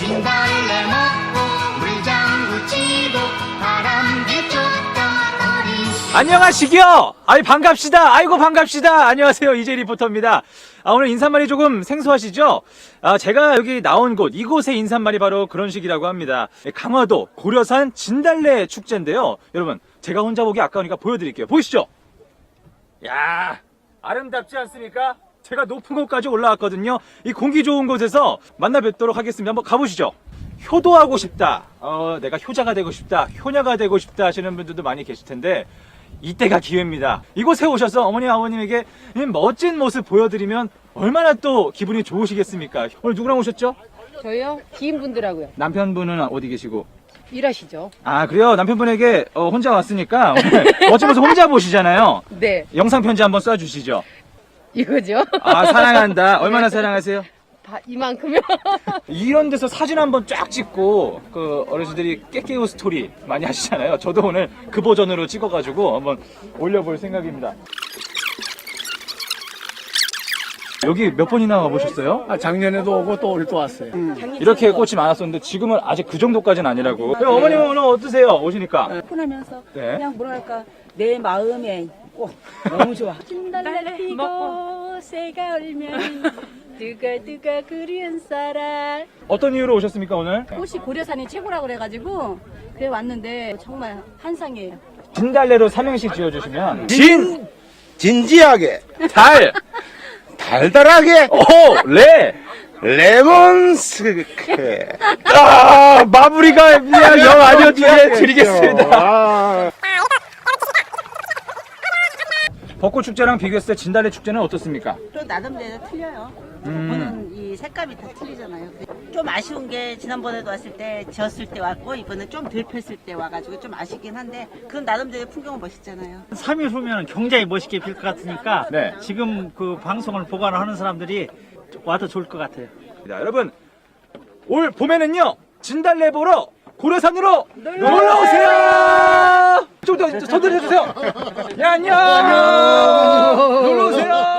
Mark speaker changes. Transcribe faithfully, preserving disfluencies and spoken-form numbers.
Speaker 1: 진달래 먹고 물장구 치고 바람개 쫓던 어린 시
Speaker 2: 안녕하시기요. 아이 반갑시다. 아이고 반갑시다. 안녕하세요, 이재 리포터입니다. 아, 오늘 인사말이 조금 생소하시죠? 아, 제가 여기 나온 곳, 이곳의 인사말이 바로 그런 식이라고 합니다. 강화도 고려산 진달래 축제인데요. 여러분, 제가 혼자 보기 아까우니까 보여드릴게요. 보이시죠? 야, 아름답지 않습니까? 제가 높은 곳까지 올라왔거든요. 이 공기 좋은 곳에서 만나 뵙도록 하겠습니다. 한번 가보시죠. 효도하고 싶다, 어, 내가 효자가 되고 싶다, 효녀가 되고 싶다 하시는 분들도 많이 계실 텐데 이때가 기회입니다. 이곳에 오셔서 어머니 아버님에게 멋진 모습 보여드리면 얼마나 또 기분이 좋으시겠습니까? 오늘 누구랑 오셨죠?
Speaker 3: 저요? 기인분들하고요.
Speaker 2: 남편분은 어디 계시고?
Speaker 3: 일하시죠?
Speaker 2: 아, 그래요? 남편분에게 어, 혼자 왔으니까 오늘 멋진 모습 혼자 보시잖아요.
Speaker 3: 네.
Speaker 2: 영상 편지 한번 쏴주시죠.
Speaker 3: 이거죠?
Speaker 2: 아, 사랑한다. 얼마나 사랑하세요?
Speaker 3: 다 이만큼요?
Speaker 2: 이런 데서 사진 한번 쫙 찍고 그 어르신들이 깨깨우 스토리 많이 하시잖아요. 저도 오늘 그 버전으로 찍어가지고 한번 올려볼 생각입니다. 여기 몇 번이나 와보셨어요?
Speaker 4: 아, 작년에도 오고 또 올해 또 왔어요.
Speaker 2: 이렇게 꽃이 많았었는데 지금은 아직 그 정도까지는 아니라고. 어머님은 오늘 어떠세요? 오시니까.
Speaker 5: 푸하면서
Speaker 2: 네.
Speaker 5: 그냥 뭐랄까 내 마음에 꼭 너무 좋아.
Speaker 3: 진달래 피고 새가 울면 두가두가 그리운 사람.
Speaker 2: 어떤 이유로 오셨습니까 오늘?
Speaker 5: 꽃이 고려산이 최고라고 그래가지고 그래 왔는데 정말 한상이에요.
Speaker 2: 진달래로 삼행시 지어주시면 진!
Speaker 4: 진지하게,
Speaker 2: 달!
Speaker 4: 달달하게,
Speaker 2: 오! 레!
Speaker 4: 레몬스케.
Speaker 2: 아, 마무리가 그냥 영 아니어주게 드리겠습니다.
Speaker 4: 아.
Speaker 2: 벚꽃 축제랑 비교했을 때 진달래 축제는 어떻습니까?
Speaker 6: 또 나름대로 틀려요.
Speaker 2: 음.
Speaker 6: 보는 이 색감이 다 틀리잖아요. 좀 아쉬운 게 지난번에도 왔을 때 지었을 때 왔고 이번엔 좀 덜 폈을 때 와가지고 좀 아쉽긴 한데 그런 나름대로 풍경은 멋있잖아요.
Speaker 7: 삼 일 후면 굉장히 멋있게 필 것 같으니까
Speaker 2: 네.
Speaker 7: 지금 그 방송을 보관하는 사람들이 와도 좋을 것 같아요.
Speaker 2: 자, 여러분, 올 봄에는요 진달래 보러 고려산으로 놀러 오세요. 좀 더 손들어 주세요. 야, 안녕. 놀러 오세요.